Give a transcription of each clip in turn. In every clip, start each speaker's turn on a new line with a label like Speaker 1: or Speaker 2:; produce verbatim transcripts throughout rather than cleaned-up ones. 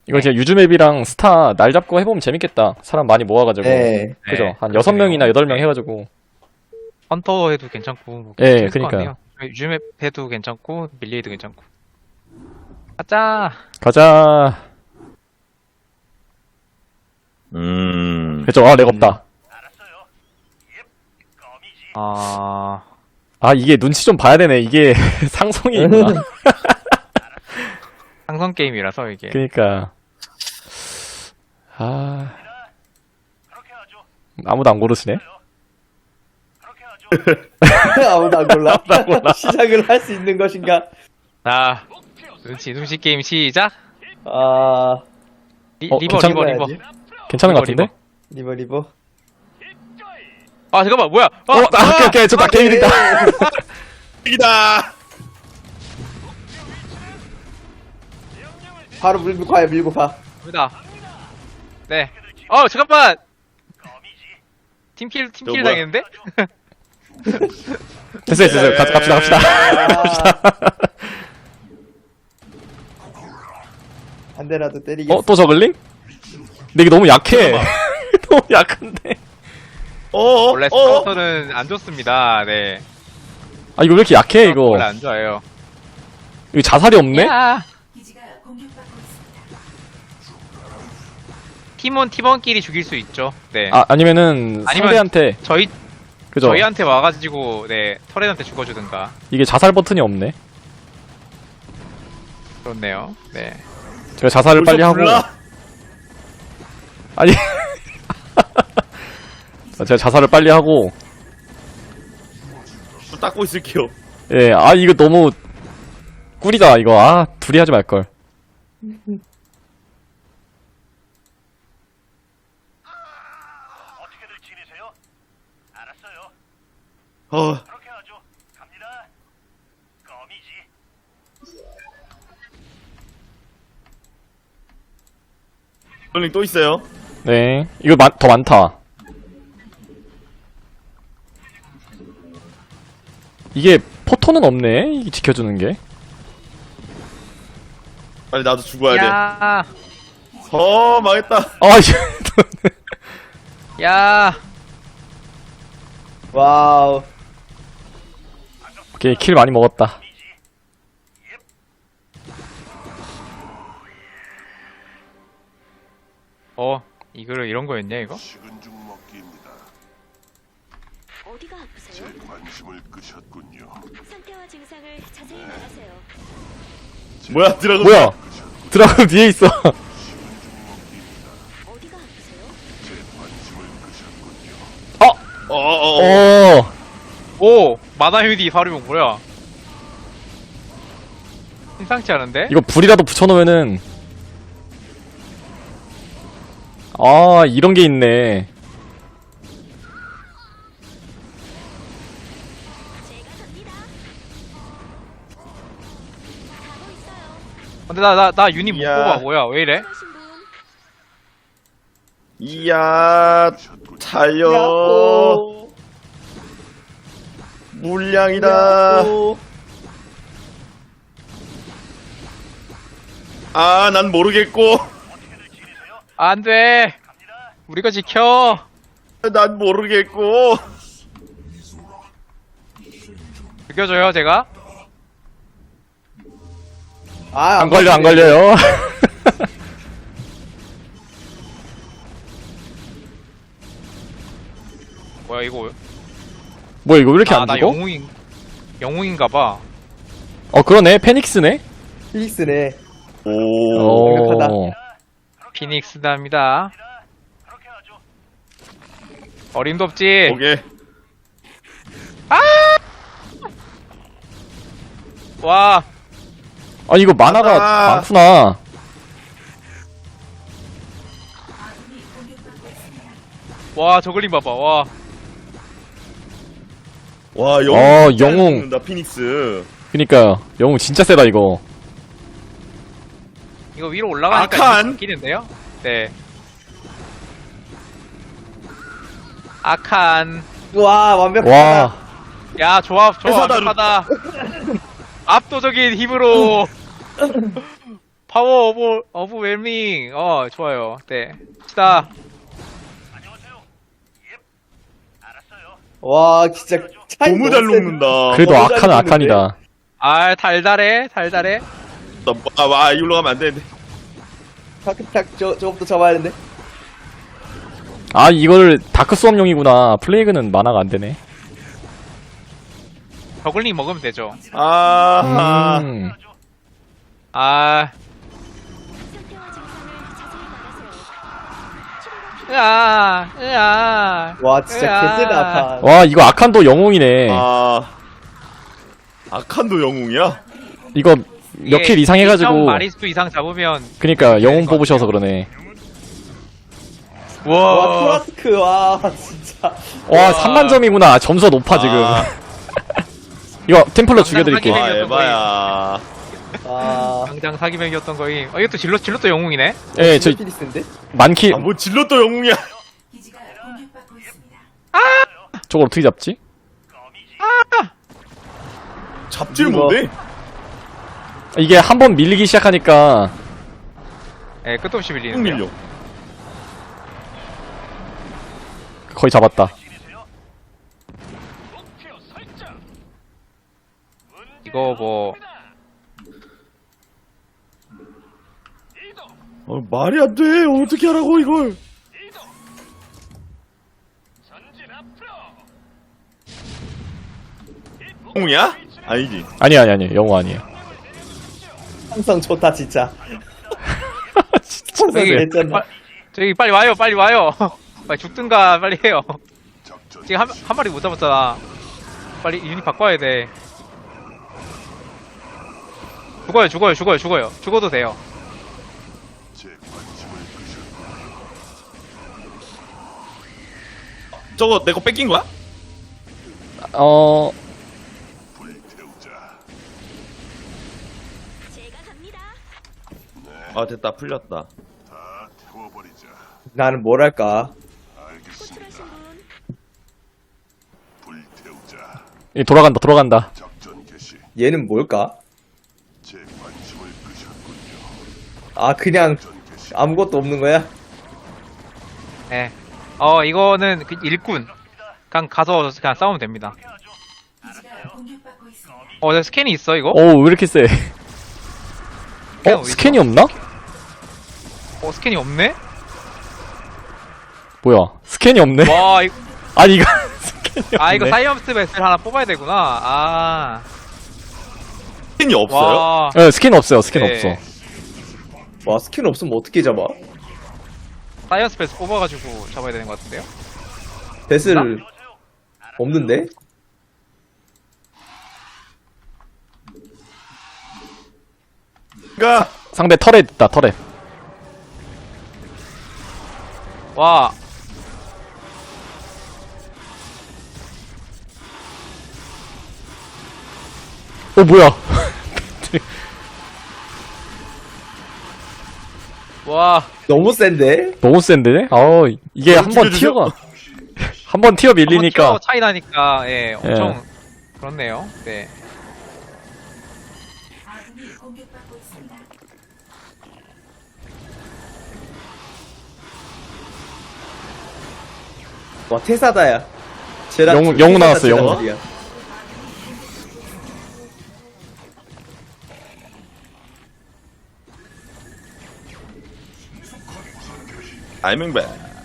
Speaker 1: 이거 진짜 유즈맵이랑 스타 날 잡고 해보면 재밌겠다. 사람 많이 모아가지고.
Speaker 2: 네.
Speaker 1: 그죠?
Speaker 3: 네,
Speaker 1: 한 여섯 명이나
Speaker 3: 그러네요.
Speaker 1: 여덟 명 해가지고.
Speaker 3: 헌터 해도 괜찮고 뭐
Speaker 1: 예,
Speaker 3: 재밌을 것
Speaker 1: 그니까요.
Speaker 3: 같네요. 유즈맵 해도 괜찮고 밀리에도 괜찮고. 가자.
Speaker 1: 가자.
Speaker 4: 음.
Speaker 1: 그죠? 아, 렉 없다.
Speaker 3: 아
Speaker 1: 아, 이게 눈치 좀 봐야 되네. 이게 상성이 있구나.
Speaker 3: 상성 게임이라서 이게.
Speaker 1: 그니까. 아. 아무도 안 고르시네?
Speaker 2: 아무도 안 골라. 시작을 할 수 있는 것인가?
Speaker 3: 자 눈치 눈치 게임 시작.
Speaker 2: 아,
Speaker 3: 리,
Speaker 1: 어,
Speaker 3: 리버
Speaker 1: 괜찮-
Speaker 3: 리버 리버.
Speaker 2: 해야지.
Speaker 1: 괜찮은 것
Speaker 3: 리버,
Speaker 1: 같은데?
Speaker 2: 리버 리버.
Speaker 3: 아 잠깐만 뭐야? 아,
Speaker 1: 어, 나, 오케이, 오케이. 저나 게임이다.
Speaker 4: 이기다!
Speaker 2: 바로 밀고 가요, 밀고 가.
Speaker 3: 갑니다. 네. 어 잠깐만. 팀킬 팀킬
Speaker 4: 뭐야?
Speaker 3: 당했는데?
Speaker 1: 됐어요, 됐어요. 가, 갑시다, 갑시다.
Speaker 2: 한 대라도 때리겠어.
Speaker 1: 어, 또 저글링? 근데 이게 너무 약해. 너무 약한데.
Speaker 4: 어어?
Speaker 3: 원래
Speaker 4: 어어?
Speaker 3: 스카우터는 안 좋습니다. 네.
Speaker 1: 아, 이거 왜 이렇게 약해, 이거?
Speaker 3: 원래 안 좋아요.
Speaker 1: 이거 자살이 없네?
Speaker 3: 야.
Speaker 5: 기지가 공격받고 있습니다.
Speaker 3: 팀원 팀원끼리 죽일 수 있죠. 네.
Speaker 1: 아, 아니면은,
Speaker 3: 아니면-
Speaker 1: 상대한테,
Speaker 3: 저희
Speaker 1: 그죠?
Speaker 3: 저희한테 와가지고 네 터렛한테 죽어주든가.
Speaker 1: 이게 자살 버튼이 없네.
Speaker 3: 그렇네요. 네.
Speaker 1: 제가 자살을 빨리 하고.
Speaker 4: 불러?
Speaker 1: 아니. 제가 자살을 빨리 하고.
Speaker 4: 좀 닦고 있을게요.
Speaker 1: 예, 아, 이거 너무, 꿀이다, 이거. 아, 둘이 하지 말걸.
Speaker 6: 어떻게들 지내세요? 알았어요.
Speaker 4: 어.
Speaker 6: 그렇게 하죠. 갑니다. 껌이지.
Speaker 4: 롤링 또 있어요.
Speaker 1: 네. 이거 마, 더 많다. 이게, 포토는 없네? 이게 지켜주는 게.
Speaker 4: 빨리 나도 죽어야 돼.
Speaker 3: 야.
Speaker 4: 어, 망했다.
Speaker 1: 아, 이거.
Speaker 3: 야.
Speaker 2: 와우.
Speaker 1: 오케이, 킬 많이 먹었다.
Speaker 3: 어 이거를 이런 거였냐 이거?
Speaker 6: 식은 죽 먹기입니다.
Speaker 7: 어디가 아프세요?
Speaker 6: 제 관심을 끄셨군요.
Speaker 7: 상태와 증상을 자세히 말하세요.
Speaker 4: 뭐야, 드라곤.
Speaker 1: 뭐야? 드라군 뒤에 있어.
Speaker 7: 어디가 아프세요?
Speaker 6: 제 관심을 끄셨군요.
Speaker 4: 어어어.
Speaker 1: 어.
Speaker 3: 오 마나 휴디 사료용 뭐야? 심상치 않은데?
Speaker 1: 이거 불이라도 붙여놓으면은. 아, 이런 게 있네.
Speaker 7: 제가 갑니다. 가고 있어요.
Speaker 3: 근데 나 나 나 유닛 못
Speaker 4: 이야.
Speaker 3: 뽑아 뭐야 왜 이래?
Speaker 7: 필요하신 분
Speaker 4: 이야, 달려.
Speaker 2: 야호.
Speaker 4: 물량이다.
Speaker 2: 야호.
Speaker 4: 아, 난 모르겠고.
Speaker 3: 안돼. 우리가 지켜.
Speaker 4: 난 모르겠고.
Speaker 3: 죽여줘요 제가.
Speaker 2: 아,
Speaker 1: 안 걸려, 안
Speaker 2: 걸리네.
Speaker 1: 걸려요.
Speaker 3: 뭐야 이거?
Speaker 1: 뭐야, 이거 왜 이렇게 안
Speaker 3: 아나
Speaker 1: 죽어?
Speaker 3: 영웅인 영웅인가봐.
Speaker 1: 어, 그러네. 페닉스네?
Speaker 2: 필릭스네.
Speaker 4: 오.
Speaker 1: 오.
Speaker 2: 완벽하다.
Speaker 3: 피닉스답니다.
Speaker 6: 그렇게 하죠.
Speaker 3: 어림도 없지.
Speaker 4: 오케이.
Speaker 3: 와.
Speaker 1: 아, 이거 만화가
Speaker 4: 맞다.
Speaker 1: 많구나.
Speaker 3: 와 저글링 봐봐. 와.
Speaker 4: 와, 영웅.
Speaker 1: 어,
Speaker 4: 진짜
Speaker 1: 영웅.
Speaker 4: 죽는다, 피닉스.
Speaker 1: 그니까, 영웅 진짜 세다, 이거.
Speaker 3: 이거 위로 올라가니까
Speaker 4: 아칸.
Speaker 3: 바뀌는데요? 네. 아칸.
Speaker 2: 와, 완벽하다.
Speaker 1: 와.
Speaker 3: 야 조합 조합
Speaker 4: 회사다,
Speaker 3: 완벽하다. 압도적인 힘으로 파워 오브 오브 웰밍. 어 좋아요. 네. 시다.
Speaker 2: 와 진짜 차이
Speaker 4: 너무 잘
Speaker 2: 너무 센-
Speaker 4: 녹는다.
Speaker 1: 그래도
Speaker 2: 너무 잘
Speaker 1: 악한
Speaker 2: 먹는데?
Speaker 1: 악한이다.
Speaker 3: 아 달달해 달달해.
Speaker 4: 나, 아, 와, 이리로 가면 안 되는데.
Speaker 2: 탁탁 저 저것도 잡아야 되는데.
Speaker 1: 아 이거를 다크 수업용이구나. 플레이그는 만화가 안 되네.
Speaker 3: 저글링 먹으면 되죠.
Speaker 4: 아,
Speaker 1: 음.
Speaker 3: 아.
Speaker 7: 상태와 증상을 자세히 말하세요. 치료가
Speaker 3: 으아 으아.
Speaker 2: 와 진짜
Speaker 3: 으아.
Speaker 2: 개쎄다 아파.
Speaker 1: 와 이거 악한도 영웅이네.
Speaker 4: 아. 아칸도 영웅이야?
Speaker 1: 이거 몇 킬 이상 해가지고.
Speaker 3: 마리스 이상 잡으면
Speaker 1: 그니까 영웅
Speaker 3: 것
Speaker 1: 뽑으셔서 그러네.
Speaker 2: 와
Speaker 3: 와.
Speaker 2: 토라스크 와 진짜.
Speaker 1: 와 삼만 점이구나. 점수가 높아 지금.
Speaker 4: 아.
Speaker 1: 이거 템플러 죽여드릴게.
Speaker 3: 하긴
Speaker 4: 와,
Speaker 3: 해.
Speaker 4: 에바야.
Speaker 2: 아
Speaker 3: 당장 사기맥이었던 거임. 어 이것도 질럿 질럿도 영웅이네.
Speaker 1: 예, 저
Speaker 2: 피리스인데?
Speaker 1: 만킬
Speaker 4: 아, 뭐 질럿도 영웅이야.
Speaker 5: 기지가 공격받고 있습니다.
Speaker 1: 저걸 어떻게 잡지?
Speaker 4: 잡질
Speaker 2: 이거.
Speaker 4: 못해.
Speaker 1: 이게 한 번 밀리기 시작하니까
Speaker 3: 예, 끝도 없이
Speaker 4: 쭉
Speaker 3: 밀리는.
Speaker 4: 밀려.
Speaker 1: 거의 잡았다.
Speaker 3: 이거 뭐
Speaker 4: 어, 말이 안 돼. 어떻게 하라고, 이걸. 영웅이야? 아니지.
Speaker 1: 아니 아니 아니 영웅 아니에요.
Speaker 2: 항상 좋다 진짜. 항상
Speaker 3: 여기
Speaker 2: 괜찮나?
Speaker 3: 빠- 저기 빨리 와요, 빨리 와요. 빨리 죽든가 빨리 해요.
Speaker 6: 작전
Speaker 3: 지금 한, 한 마리 못 잡았잖아. 빨리 유닛 바꿔야 돼. 죽어요, 죽어요, 죽어요, 죽어요. 죽어도 돼요.
Speaker 6: 제 관심을 끄셨군요.
Speaker 4: 저거 내 거 뺏긴 거야?
Speaker 1: 어
Speaker 6: 불태우자.
Speaker 7: 제가 갑니다.
Speaker 4: 아, 됐다. 풀렸다.
Speaker 6: 다 태워버리자.
Speaker 2: 나는 뭘 할까?
Speaker 6: 알겠습니다.
Speaker 7: 호출하신 분
Speaker 6: 불태우자.
Speaker 1: 이 돌아간다 돌아간다.
Speaker 6: 작전 개시.
Speaker 2: 얘는 뭘까?
Speaker 6: 제 관심을 끄셨군요.
Speaker 2: 아 그냥
Speaker 6: 작전 개시.
Speaker 2: 아무것도 없는 거야?
Speaker 3: 예. 어, 이거는 그 일꾼. 그냥 가서 그냥 싸우면 됩니다.
Speaker 5: 기지가 공격받고 있습니다.
Speaker 3: 어, 내 스캔이 있어, 이거?
Speaker 1: 오 왜 이렇게 세?
Speaker 3: 스캔
Speaker 1: 어
Speaker 3: 어디
Speaker 1: 스캔이
Speaker 3: 있어?
Speaker 1: 없나?
Speaker 3: 어, 스캔이 없네?
Speaker 1: 뭐야 스캔이 없네?
Speaker 3: 와, 이거,
Speaker 1: 아니 이거 스캔이 없네.
Speaker 3: 아, 이거 사이언스 베스를 하나 뽑아야 되구나. 아.
Speaker 4: 스킨이 없어요?
Speaker 3: 와.
Speaker 1: 네, 스캔 없어요. 스캔
Speaker 3: 네.
Speaker 1: 없어.
Speaker 2: 와 스킨 없으면 어떻게 잡아?
Speaker 3: 사이언스 베스 뽑아가지고 잡아야 되는 것 같은데요?
Speaker 2: 배슬 없는데?
Speaker 4: 가.
Speaker 1: 상대 터렛 있다 터렛.
Speaker 3: 와.
Speaker 1: 어 뭐야?
Speaker 3: 와.
Speaker 2: 너무 센데?
Speaker 1: 너무 센데? 아 이게
Speaker 4: 너무
Speaker 1: 한 번
Speaker 4: 죽여주죠?
Speaker 1: 티어가 한 번 티어 밀리니까
Speaker 3: 한번 차이 나니까, 예, 엄청, 그렇네요. 네.
Speaker 5: 아군이 공격받고 있습니다.
Speaker 2: 와 태사다야. 쟤랑
Speaker 1: 영웅-
Speaker 2: 둘이
Speaker 1: 영웅
Speaker 2: 태사다
Speaker 1: 나왔어, 영웅.
Speaker 2: 제자들이야.
Speaker 4: 알맹배.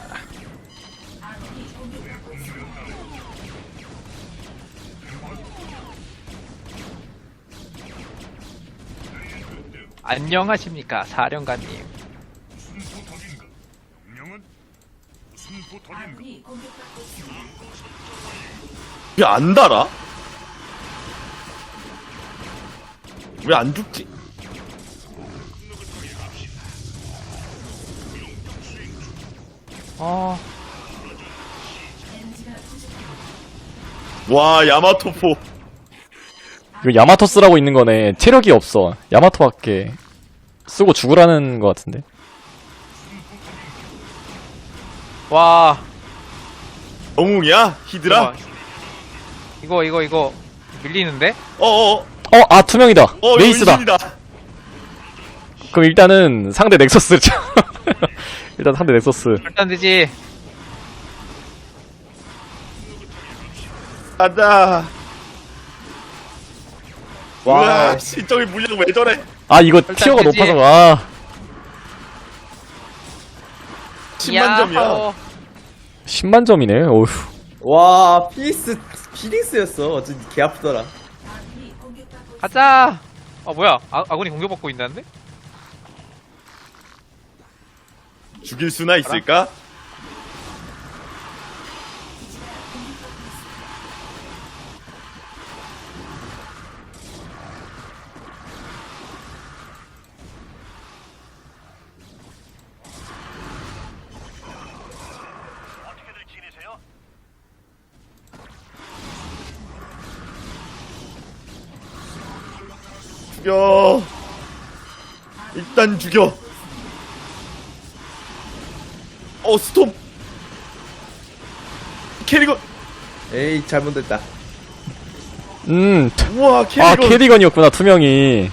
Speaker 3: 안녕하십니까, 사령관님.
Speaker 5: 아군이 공격받고 있습니다.
Speaker 4: 왜 안 달아? 왜 안 죽지?
Speaker 3: 어,
Speaker 4: 와, 야마토포.
Speaker 1: 이거 야마토 쓰라고 있는 거네. 체력이 없어. 야마토밖에 쓰고 죽으라는 거 같은데.
Speaker 3: 와.
Speaker 4: 영웅이야? 히드라?
Speaker 3: 이거, 이거, 이거, 밀리는데?
Speaker 4: 어어어.
Speaker 1: 어, 아 투명이다.
Speaker 4: 어,
Speaker 1: 메이스다.
Speaker 4: 이거 은신이다.
Speaker 1: 그럼 일단은 상대 넥서스 일단 상대 넥서스.
Speaker 3: 일단 되지.
Speaker 4: 가자.
Speaker 2: 와.
Speaker 4: 와, 씨, 저기 물량 왜 저래?
Speaker 1: 아 이거 티어가
Speaker 3: 되지.
Speaker 1: 높아서 아
Speaker 4: 십만 점이야.
Speaker 3: 야호.
Speaker 1: 십만 점이네. 어휴.
Speaker 2: 와, 피닉스, 피닉스였어. 어쩐지 개 아프더라.
Speaker 5: 아군이 공격받고 있습니다.
Speaker 3: 가자. 아 뭐야? 아, 아군이 공격받고 있다는데?
Speaker 4: 죽일 수나 있을까? 죽여. 일단 죽여. 어, 스톱. 캐리건.
Speaker 2: 에이, 잘못됐다.
Speaker 1: 음.
Speaker 4: 우와,
Speaker 1: 아
Speaker 4: 캐리건.
Speaker 1: 캐리건이었구나 투명이.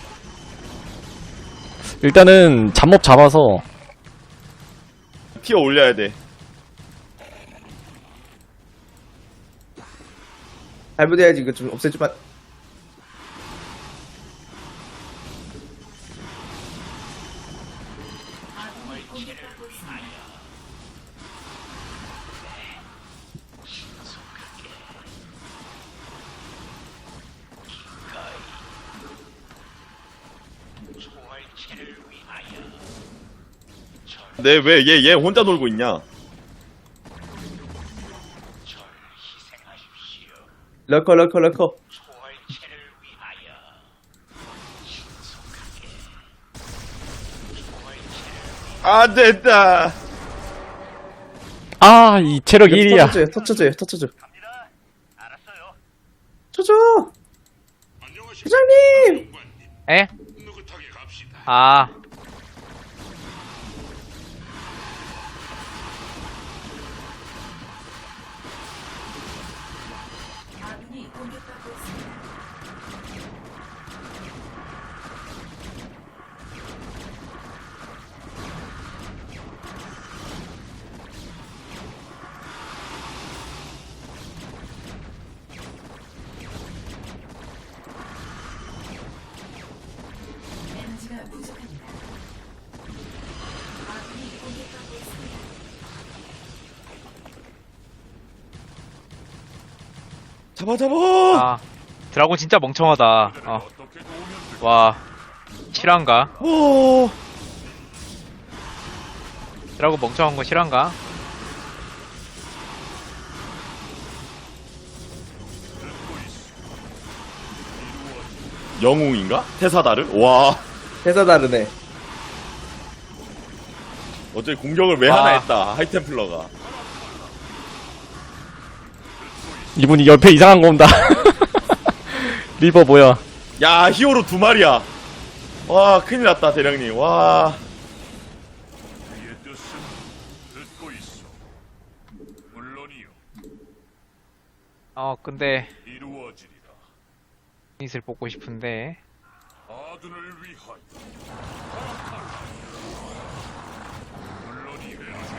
Speaker 1: 일단은 잡몹 잡아서
Speaker 4: 티어 올려야 돼.
Speaker 2: 잘못해야지. 이거 좀 없애주면.
Speaker 5: 아군이 공격받고 있습니다.
Speaker 4: 네, 왜 얘 얘 혼자 놀고 있냐?
Speaker 2: 럴커, 럴커, 럴커.
Speaker 4: 안 됐다.
Speaker 1: 아 이 체력 일이야.
Speaker 2: 터쳐줘요, 터쳐줘요, 터쳐줘. 쳐줘! 회장님!
Speaker 3: 에? 아.
Speaker 5: 아군이 공격받고 있습니다. 에너지가 부족합니다. 아군이 공격받고 있습니다.
Speaker 4: 잡아 잡아.
Speaker 3: 아. 드라곤 진짜 멍청하다. 어. 와. 실화인가?
Speaker 4: 오.
Speaker 3: 드라곤 멍청한 거 실화인가?
Speaker 4: 영웅인가? 테사다르? 와.
Speaker 2: 회사 다르네.
Speaker 4: 어제 공격을 왜
Speaker 3: 아.
Speaker 4: 하나 했다. 하이템플러가.
Speaker 1: 이분이 옆에 이상한 거 온다. 리버 뭐야?
Speaker 4: 야, 히어로 두 마리야. 와, 큰일 났다, 대령님. 와.
Speaker 6: 그의 뜻은 듣고 있어. 물론이요.
Speaker 3: 어, 근데
Speaker 6: 이루어지리라.
Speaker 3: 이슬 뽑고 싶은데.
Speaker 6: 아둔을 위하여. 물론이요.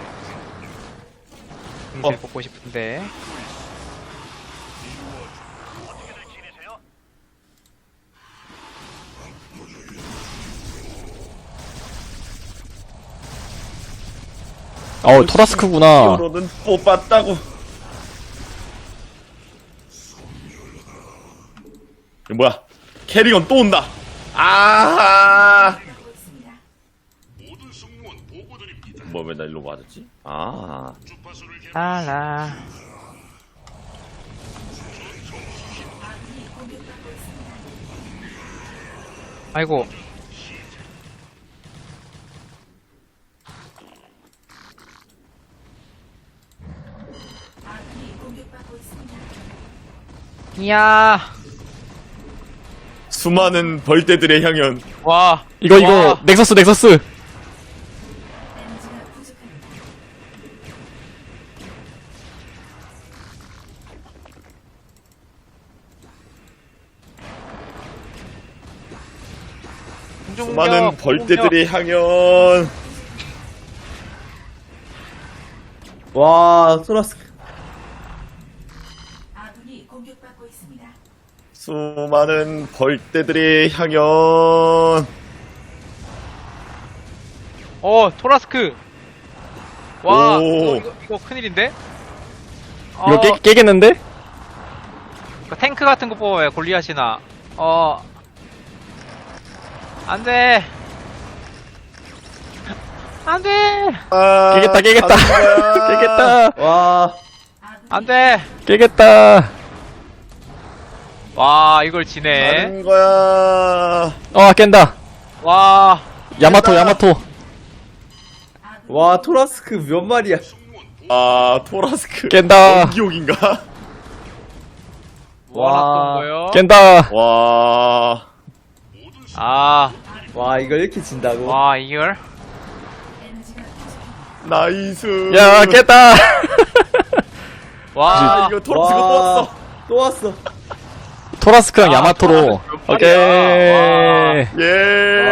Speaker 3: 이슬
Speaker 4: 어.
Speaker 3: 뽑고 싶은데.
Speaker 1: 어 토라스크구나.
Speaker 4: 히어로는 뽑았다고. 이거 뭐야? 캐리건 또 온다. 아.
Speaker 5: 받고 있습니다.
Speaker 6: 모든 승무원 보고드립니다.
Speaker 4: 뭐 왜 나 일로 맞았지? 아.
Speaker 6: 주파수를 개
Speaker 3: 라라.
Speaker 5: 아군이 공격받고 있습니다.
Speaker 3: 아이고.
Speaker 5: 아군이 공격받고 있습니다.
Speaker 3: 이야.
Speaker 4: 수많은 벌떼들의 향연.
Speaker 3: 와.
Speaker 1: 이거 이거
Speaker 3: 와.
Speaker 1: 넥서스 넥서스.
Speaker 5: 에너지가 부족합니다.
Speaker 3: 공중력.
Speaker 4: 수많은
Speaker 3: 공중력.
Speaker 4: 벌떼들의 향연.
Speaker 2: 와, 토라스크.
Speaker 5: 아군이 공격받고 있습니다.
Speaker 4: 수많은 벌떼들의 향연.
Speaker 3: 어, 토라스크. 와,
Speaker 4: 오.
Speaker 3: 이거, 이거, 이거 큰일인데? 어,
Speaker 1: 이거 깨, 깨겠는데?
Speaker 3: 그 탱크 같은 거 뽑아요, 골리앗이나. 어. 안 돼. 안 돼.
Speaker 4: 아,
Speaker 1: 깨겠다, 깨겠다.
Speaker 4: 가는 거야.
Speaker 1: 깨겠다.
Speaker 2: 와,
Speaker 3: 안 돼.
Speaker 1: 깨겠다.
Speaker 3: 와, 이걸 지네.
Speaker 4: 가는 거야.
Speaker 1: 어, 깬다.
Speaker 3: 와.
Speaker 1: 야마토, 야마토.
Speaker 2: 와, 토라스크 몇 마리야?
Speaker 4: 아, 토라스크.
Speaker 1: 깬다.
Speaker 4: 기옥인가?
Speaker 3: 뭐 하나
Speaker 2: 와.
Speaker 3: 떤 거요?
Speaker 1: 깬다.
Speaker 4: 와.
Speaker 3: 아,
Speaker 2: 와, 이걸 이렇게 진다고?
Speaker 3: 와, 이걸?
Speaker 5: 에너지가 부족합니다.
Speaker 4: 나이스.
Speaker 1: 야, 깼다.
Speaker 3: 와.
Speaker 4: 아, 이거 토라스가 또 왔어.
Speaker 2: 또 왔어.
Speaker 1: 토라스크랑
Speaker 3: 아,
Speaker 1: 야마토로.
Speaker 3: 토라스크 몇
Speaker 1: 오케이.
Speaker 3: 마리야. 와.
Speaker 4: 예.